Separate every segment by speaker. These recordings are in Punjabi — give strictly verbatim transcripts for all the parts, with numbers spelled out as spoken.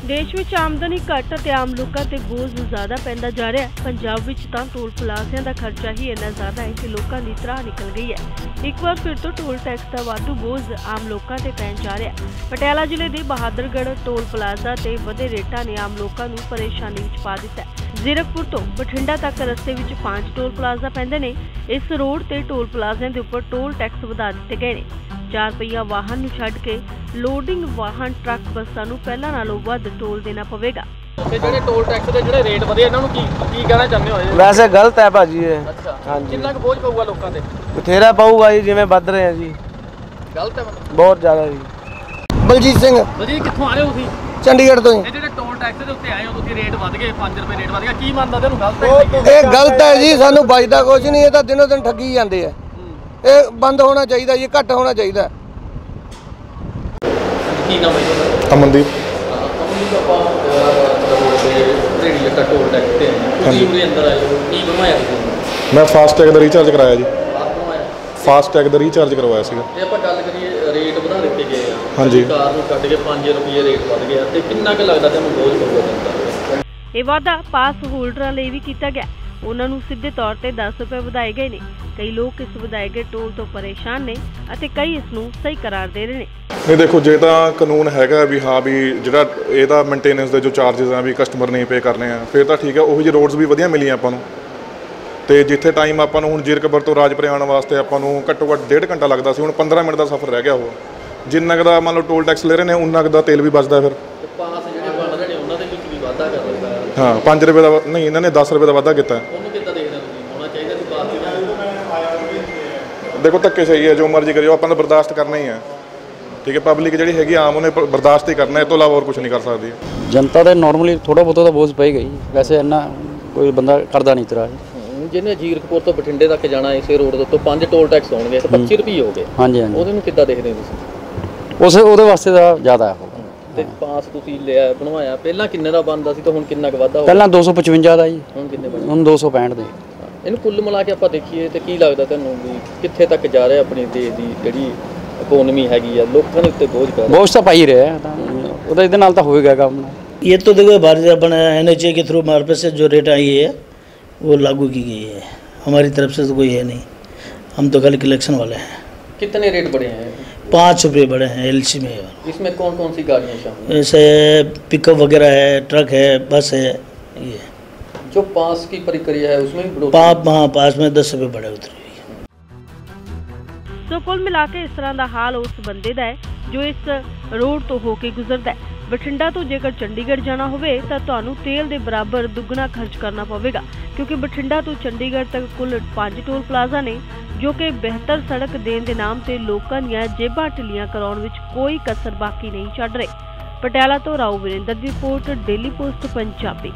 Speaker 1: देश में आमदनी घट ते आम लोगों ते बोझ ज़्यादा पैंदा जा रहा है। पंजाब विच तां टोल प्लाज़िਆਂ ਦਾ खर्चा ही इन्ना ज़्यादा है कि लोगों की त्राह निकल गई है। एक बार फिर तो टोल टैक्स का वाधू बोझ आम लोगों ते पैण जा रहा है। पटियाला जिले के बहादुरगढ़ टोल प्लाज़ा ते वधे रेटां ने आम लोगों को परेशानी विच पा दिता है। जीरकपुर तो बठिंडा तक रस्ते विच पांच टोल प्लाज़ा पैंदे ने। इस रोड ते टोल प्लाज़िਆਂ ਦੇ ਉੱਪਰ टोल टैक्स ਵਧਾ ਦਿੱਤੇ गए ਨੇ। चार पहिया वाहन ਨੂੰ ਛੱਡ ਕੇ लोडिंग वाहन ट्रक ਬੱਸਾਂ ਨੂੰ ਪਹਿਲਾਂ ਨਾਲੋਂ ਵੱਧ टोल देना पवेगा।
Speaker 2: ਤੇ ਜਿਹੜੇ ਟੋਲ ਟੈਕਸ ਦੇ ਜਿਹੜੇ ਰੇਟ ਵਧੇ ਇਹਨਾਂ ਨੂੰ ਕੀ ਕੀ ਕਹਿਣਾ ਚਾਹੁੰਦੇ ਹੋ?
Speaker 3: ਵੈਸੇ ਗਲਤ ਹੈ ਭਾਜੀ ਇਹ।
Speaker 2: ਅੱਛਾ
Speaker 3: ਹਾਂਜੀ
Speaker 2: ਕਿੰਨਾ ਕੁ ਬੋਝ ਪਊਗਾ ਲੋਕਾਂ ਤੇ?
Speaker 3: ਬਥੇਰਾ ਪਊਗਾ ਜੀ, ਜਿਵੇਂ ਵੱਧ ਰਹੇ ਆ ਜੀ।
Speaker 2: ਗਲਤ ਹੈ ਮਤਲਬ
Speaker 3: ਬਹੁਤ ਜ਼ਿਆਦਾ ਜੀ।
Speaker 4: ਬਲਜੀਤ ਸਿੰਘ
Speaker 2: ਬਲਜੀਤ ਕਿੱਥੋਂ ਆ ਰਹੇ ਹੋ ਤੁਸੀਂ?
Speaker 4: ਚੰਡੀਗੜ੍ਹ ਤੋਂ ਹੀ।
Speaker 2: ਇਹ ਜਿਹੜੇ ਟੋਲ ਟੈਕਸ ਦੇ ਉੱਤੇ ਆਏ ਹੋ ਤੁਸੀਂ, ਰੇਟ ਵਧ ਗਏ, ਪੰਜ ਰੁਪਏ ਰੇਟ ਵਧ ਗਿਆ, ਕੀ ਮੰਨਦਾ ਤੈਨੂੰ? ਗਲਤ ਹੈ
Speaker 4: ਇਹ ਗਲਤ ਹੈ ਜੀ, ਸਾਨੂੰ ਬਚਦਾ ਕੁਝ ਨਹੀਂ। ਇਹ ਤਾਂ ਦਿਨੋਂ ਦਿਨ ਠੱਗੀ ਜਾਂਦੇ ਆ। ਇਹ ਬੰਦ ਹੋਣਾ ਚਾਹੀਦਾ ਜੀ, ਘੱਟ ਹੋਣਾ ਚਾਹੀਦਾ।
Speaker 2: ਕੀ ਨਾਮ ਹੈ ਤੁਹਾਡਾ?
Speaker 5: ਅਮਨਦੀਪ।
Speaker 2: ਅਮਨਦੀਪ ਆਪਾਂ ਰੋਡ ਤੇ ਰੇੜੀ ਲੱਗਾ ਟੋਲ ਟੈਕਸ ਤੇ ਤੁਸੀਂ ਉਹਦੇ ਅੰਦਰ ਆਏ ਹੋ, ਕੀ ਬਣਵਾਇਆ ਤੁਸੀਂ?
Speaker 5: ਮੈਂ ਫਾਸਟ ਟੈਗ ਦਾ ਰੀਚਾਰਜ ਕਰਾਇਆ ਜੀ।
Speaker 2: ਆਪ ਬਣਵਾਇਆ?
Speaker 5: ਫਾਸਟ ਟੈਗ ਦਾ ਰੀਚਾਰਜ ਕਰਵਾਇਆ ਸੀਗਾ।
Speaker 2: ਜੇ ਆਪਾਂ ਗੱਲ ਕਰੀਏ ਰੇਟ ਵਧਾ ਦਿੱਤੇ ਗਏ ਆ,
Speaker 5: ਹਾਂਜੀ,
Speaker 2: ਕਾਰ ਨੂੰ ਕੱਟ ਕੇ ਪੰਜ ਰੁਪਏ ਰੇਟ ਵਧ ਗਿਆ, ਤੇ ਕਿੰਨਾ ਕੁ ਲੱਗਦਾ ਤੁਹਾਨੂੰ ਬੋਝ ਪਊਗਾ ਜਨਤਾ?
Speaker 1: ਇਹ ਵਾਧਾ ਪਾਸ ਹੋਲਡਰਾਂ ਲਈ ਵੀ ਕੀਤਾ ਗਿਆ। ਉਹਨਾਂ ਨੂੰ ਸਿੱਧੇ ਤੌਰ ਤੇ ਦਸ ਰੁਪਏ ਵਧਾਏ ਗਏ ਨੇ। ਕਈ ਲੋਕ ਇਸ ਵਧਾਏ ਗਏ ਟੋਲ ਤੋਂ ਪਰੇਸ਼ਾਨ ਨੇ ਅਤੇ ਕਈ ਇਸ ਨੂੰ ਸਹੀ ਕਰਾਰ ਦੇ ਰਹੇ ਨੇ।
Speaker 5: ਨਹੀਂ ਦੇਖੋ, ਜੇ ਤਾਂ ਕਾਨੂੰਨ ਹੈਗਾ ਵੀ ਹਾਂ ਵੀ ਜਿਹੜਾ ਇਹਦਾ ਮੇਨਟੇਨੈਂਸ ਦੇ ਜੋ ਚਾਰजेस ਆ ਵੀ ਕਸਟਮਰ ਨੇ ਪੇ ਕਰਨੇ ਆ, ਫਿਰ ਤਾਂ ਠੀਕ ਹੈ। ਉਹੀ ਜਿਹੇ ਰੋਡਸ ਵੀ ਵਧੀਆ ਮਿਲੀਆਂ ਆਪਾਂ ਨੂੰ। ਤੇ ਜਿੱਥੇ ਟਾਈਮ ਆਪਾਂ ਨੂੰ ਹੁਣ ਜੀਰਕਪੁਰ ਤੋਂ ਰਾਜਪੁਰੇ ਆਉਣ ਵਾਸਤੇ ਆਪਾਂ ਨੂੰ ਘੱਟੋ ਘੱਟ ਡੇਢ ਘੰਟਾ ਲੱਗਦਾ ਸੀ, ਹੁਣ ਪੰਦਰਾਂ ਮਿੰਟ ਦਾ ਸਫ਼ਰ ਰਹਿ ਗਿਆ। ਉਹ ਜਿੰਨਾ ਕੁ ਦਾ ਮੰਨ ਲਓ ਟੋਲ ਟੈਕਸ ਲੈ ਰਹੇ ਨੇ, ਉਨਾ ਕੁ ਦਾ ਤੇਲ ਵੀ ਬਚਦਾ। ਫਿਰ
Speaker 2: ਪਾਸ ਜਿਹੜੇ ਬਣ ਰਹੇ ਨੇ ਉਹਨਾਂ ਦੇ ਵਿੱਚ ਵੀ ਵਾਧਾ ਕਰ ਦਿੱਤਾ।
Speaker 5: ਹਾਂ, ਪੰਜ ਰੁਪਏ ਦਾ ਨਹੀਂ, ਇਹਨਾਂ ਨੇ ਦਸ ਰੁਪਏ ਦਾ ਵਾਧਾ ਕੀਤਾ।
Speaker 2: ਉਹਨੂੰ ਕਿੱਦਾਂ ਦੇਖਦੇ ਤੁਸੀਂ? ਹੋਣਾ ਚਾਹੀਦਾ ਸੀ ਪਾਸ ਦੀ।
Speaker 5: ਦੇਖੋ ਧੱਕੇ ਸਹੀ ਹੈ, ਜੋ ਮਰਜ਼ੀ ਕਰਿਓ, ਆਪਾਂ ਨੂੰ ਬਰਦਾਸ਼ਤ ਕਰਨਾ ਹੀ ਹੈ। ਠੀਕ ਹੈ, ਪਬਲਿਕ ਜਿਹੜੀ ਹੈਗੀ ਆਮ, ਉਹਨੇ ਬਰਦਾਸ਼ਤ ਹੀ ਕਰਨਾ, ਇਹ ਤੋਂ ਇਲਾਵਾ ਹੋਰ ਕੁਝ ਨਹੀਂ ਕਰ ਸਕਦੀ।
Speaker 6: जनता तो नॉर्मली थोड़ा बहुत तो बोझ पई गई, वैसे इन्ना कोई बंदा करता नहीं तरह।
Speaker 2: ਜਿਹਨੇ ਜੀਰਕਪੁਰ ਤੋਂ ਬਠਿੰਡੇ ਤੱਕ ਜਾਣਾ ਇਸੇ ਰੋਡ ਦੇ ਉੱਤੇ ਪੰਜ ਟੋਲ ਟੈਕਸ ਹੋਣਗੇ ਤੇ ਪੱਚੀ ਰੁਪਏ ਹੋ ਗਏ।
Speaker 6: ਹਾਂਜੀ ਹਾਂਜੀ,
Speaker 2: ਉਹਦੇ ਨੂੰ ਕਿੱਦਾਂ ਦੇਖਦੇ ਹੋ ਤੁਸੀਂ?
Speaker 6: ਉਸ ਉਹਦੇ ਵਾਸਤੇ ਦਾ ਜ਼ਿਆਦਾ ਹੈ।
Speaker 2: ਤੇ ਪਾਸ ਤੁਸੀਂ ਲਿਆ ਬਣਵਾਇਆ, ਪਹਿਲਾਂ ਕਿੰਨੇ ਦਾ ਬਣਦਾ ਸੀ ਤੇ ਹੁਣ ਕਿੰਨਾ ਕੁ ਵਾਧਾ ਹੋ ਗਿਆ?
Speaker 6: ਪਹਿਲਾਂ ਦੋ ਸੌ ਪਚਵੰਜਾ ਦਾ ਜੀ,
Speaker 2: ਹੁਣ ਕਿੰਨੇ ਬਣੇ?
Speaker 6: ਹੁਣ ਦੋ ਸੌ ਪੈਂਹਠ ਦੇ।
Speaker 2: ਇਹਨੂੰ ਕੁੱਲ ਮਿਲਾ ਕੇ ਆਪਾਂ ਦੇਖੀਏ ਤੇ ਕੀ ਲੱਗਦਾ ਤੁਹਾਨੂੰ ਵੀ ਕਿੱਥੇ ਤੱਕ ਜਾ ਰਿਹਾ ਆਪਣੀ ਦੇਸ਼ ਦੀ ਜਿਹੜੀ ਇਕੋਨਮੀ ਹੈਗੀ ਆ, ਲੋਕਾਂ ਦੇ ਉੱਤੇ ਬੋਝ ਪੈ ਰਿਹਾ?
Speaker 6: ਬੋਝ ਤਾਂ ਪਾਈ ਰਿਹਾ ਤਾਂ ਉਹਦਾ, ਇਹਦੇ ਨਾਲ ਤਾਂ ਹੋਏਗਾ ਕੰਮ।
Speaker 7: ये तो देखो भारतीय अपना एन एच ए के थ्रू हमारे पास से जो रेट आई है वो लागू की गई है। हमारी तरफ से तो कोई है नहीं, हम तो खाली कलेक्शन वाले हैं।
Speaker 2: कितने रेट बढ़े हैं?
Speaker 7: पाँच रुपये बढ़े हैं एल सी में।
Speaker 2: इसमें कौन कौन सी गाड़ियाँ शामिल?
Speaker 7: जैसे पिकअप वगैरह है, ट्रक है, बस है। ये
Speaker 2: जो पास की प्रक्रिया है उसमें भी
Speaker 7: पाप हाँ पास में दस रुपये बढ़े उतरे।
Speaker 1: सो कुल मिला के इस तरह का हाल उस बंदे का है जो इस रोड तो होके गुजरता है। बठिंडा तो जेकर चंडीगढ़ जाना होवे तां तुहानूं तेल दे बराबर दुगना खर्च करना पवेगा, क्योंकि बठिंडा तो चंडीगढ़ तक कुल पांच टोल प्लाजा ने जो कि बेहतर सड़क देने के नाम से लोगों दीआं जेबां ढिल्लियां कराउण विच कोई कसर बाकी नहीं छड्ड रहे। पटियाला तो राव वीरेंद्र की रिपोर्ट, डेली पोस्ट पंजाबी।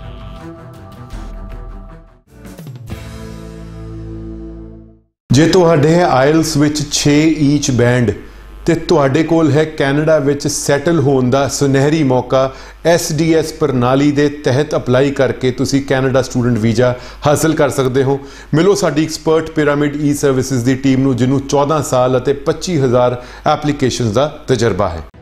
Speaker 8: जे तुहाडे आइल्स विच छे ईच बैंड ਤੇ ਤੁਹਾਡੇ ਕੋਲ ਹੈ ਕੈਨੇਡਾ ਵਿੱਚ ਸੈਟਲ ਹੋਣ ਦਾ ਸੁਨਹਿਰੀ ਮੌਕਾ। ਐਸ ਡੀ ਐਸ ਪ੍ਰਣਾਲੀ ਦੇ ਤਹਿਤ ਅਪਲਾਈ ਕਰਕੇ ਤੁਸੀਂ ਕੈਨੇਡਾ ਸਟੂਡੈਂਟ ਵੀਜ਼ਾ ਹਾਸਲ ਕਰ ਸਕਦੇ ਹੋ। ਮਿਲੋ ਸਾਡੀ ਐਕਸਪਰਟ ਪਿਰਾਮਿਡ ਈ ਸਰਵਿਸਿਜ਼ ਦੀ ਟੀਮ ਨੂੰ, ਜਿਹਨੂੰ ਚੌਦਾਂ ਸਾਲ ਅਤੇ ਪੱਚੀ ਹਜ਼ਾਰ ਐਪਲੀਕੇਸ਼ਨਸ ਦਾ ਤਜਰਬਾ ਹੈ।